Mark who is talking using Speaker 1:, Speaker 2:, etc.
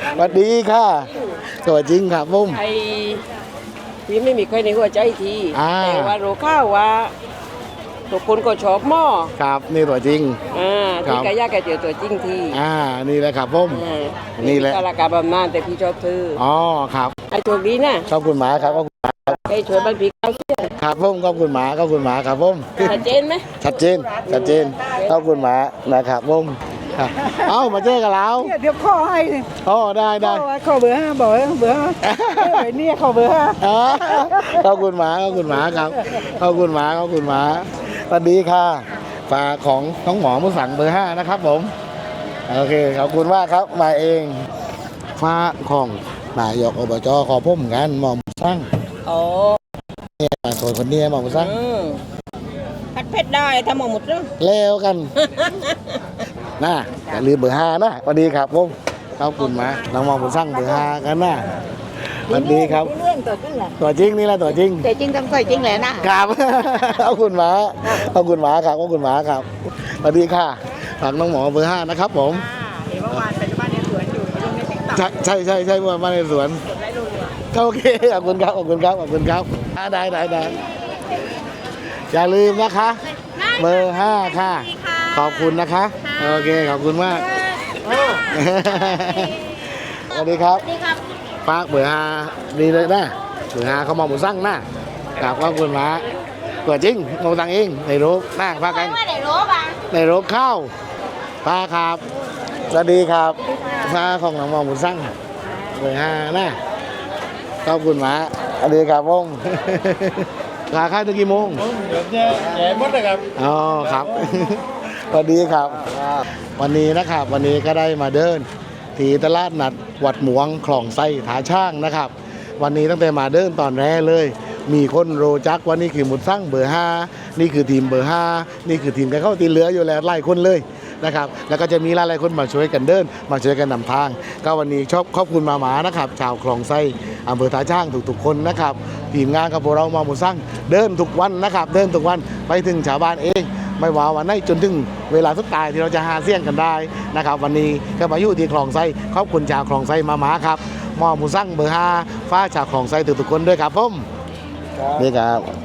Speaker 1: สวัสดีค่ะตัวจริงครับผม
Speaker 2: ไอ้ที่ไม่มีใครในหัวใจทีแต่ว่ารู้ข้าวว่าทุกคนก็ชอบหม้อ
Speaker 1: ครับนี่ตัวจริง
Speaker 2: ที่กายาแกเจอตัวจริงที
Speaker 1: นี่แหละครับผม นี่
Speaker 2: นี่
Speaker 1: แหละ
Speaker 2: กาลากาบำนานแต่พี่ชอบเธอ
Speaker 1: อ๋อครับ
Speaker 2: ไอ้โชคดีนะ
Speaker 1: ขอบคุณหมาครับขอบคุณ
Speaker 2: ไอ้ช่วยบ้านพี่ข้าวเสีย
Speaker 1: ครับผมขอบคุณหมาขอบคุณหมาครับผม
Speaker 2: ชัดเจนไหม
Speaker 1: ชัดเจนชัดเจนขอบคุณหมานะครับผมครับเอ้ามาเจอกันแล้ว
Speaker 3: เดี๋ยวข้อให้เลย
Speaker 1: อ๋อได้ได้
Speaker 3: ข้อเบอร์ 5บอกว่าเบอร์ 5เบอร์นี่ข้อเบอร์ 5
Speaker 1: อ๋อขอบคุณหมาขอบคุณหมาครับขอบคุณหมาขอบคุณหมาสวัสดีค่ะฝากของน้องหมอมุสังเบอร์ 5นะครับผมโอเคขอบคุณมากครับมาเองฝากของนายกอบจขอพุ่มกันหมอมุสัง
Speaker 2: อ๋อ
Speaker 1: เนี่ยคนนี้หมอมุสัง
Speaker 2: พัดเพชรได้ทำหมดแล้ว
Speaker 1: แล้วกันนะอย่าลืมเบอร์ 5นะสวัสดีครับผมขอบคุณหมาน้องหมอมุสังเบอร์ 5กันนะสวัสดีครับ
Speaker 3: เรื่องตัวจริงแหละ
Speaker 1: ตัวจริงนี่แหละตัวจริง
Speaker 3: แต่จริงต้องใส่จริงแหละนะครับ
Speaker 1: ขอบคุณหมาขอบคุณหมาครับขอบคุณหมาครับสวัสดีค่ะฝากน้องหมอเบอร์ 5นะครับผม
Speaker 3: เห็นเมื่อวานไปที่บ้านในสวนอยู่ลงในติ๊กต็อก
Speaker 1: ใช่เมื่อมาในสวน
Speaker 3: ได้รู้ว่า
Speaker 1: ก็โอเคขอบคุณครับขอบคุณครับขอบคุณครับได้อย่าลืมนะคะเบอร์ 5ค่ะขอบคุณนะคะโอเคขอบคุณมากสวัสดีครับฝากเบอร์ 5ดีเลยนะเบอร์ 5เขามองหมูสั่งนะกราบขอบคุณหมาตัวจริงมองตังเองในรูปนั่งพากันในรูปข้าวพาครับสวัสดีครับพาของน้องมองหมูสั่งเบอร์ 5นะขอบคุณหมาสวัสดีครับผมลาค่ายถึงกี่โมงเดี๋ยวแย่หมดเลยครับอ๋อครับสวัสดีครับวันนี้นะครับวันนี้ก็ได้มาเดินที่ตลาดนัดวัดหมวงคลองไส้ถาช่างนะครับวันนี้ตั้งแต่มาเดินตอนแรกเลย มีคนโรจักว่านี่คือหมุดสั่งเบอร์ 5นี่คือทีมเบอร์ 5นี่คือทีมกันเข้าตีเหลืออยู่แล้วหลายคนเลยนะครับแล้วก็จะมีหลายๆคนมาช่วยกันเดินมาช่วยกันนำทางก็วันนี้ขอบคุณมานะครับชาวคลองไส้อำเภอท่าช่างทุกๆคนนะครับทีมงานกับพวกเรามาหมุดสั่งเดินทุกวันนะครับเดินทุกวันไปถึงชาวบ้านเองไม่ว่าวันไหนจนถึงเวลาสุดท้ายที่เราจะหาเสี่ยงกันได้นะครับวันนี้ก็มาอยู่ที่คลองไส้ขอบคุณชาวคลองไส้มาครับมอหมูสั่งเบอร์ 5ฟ้าชาวคลองไส้ทุกๆคนด้วยครับผมนี่ครับ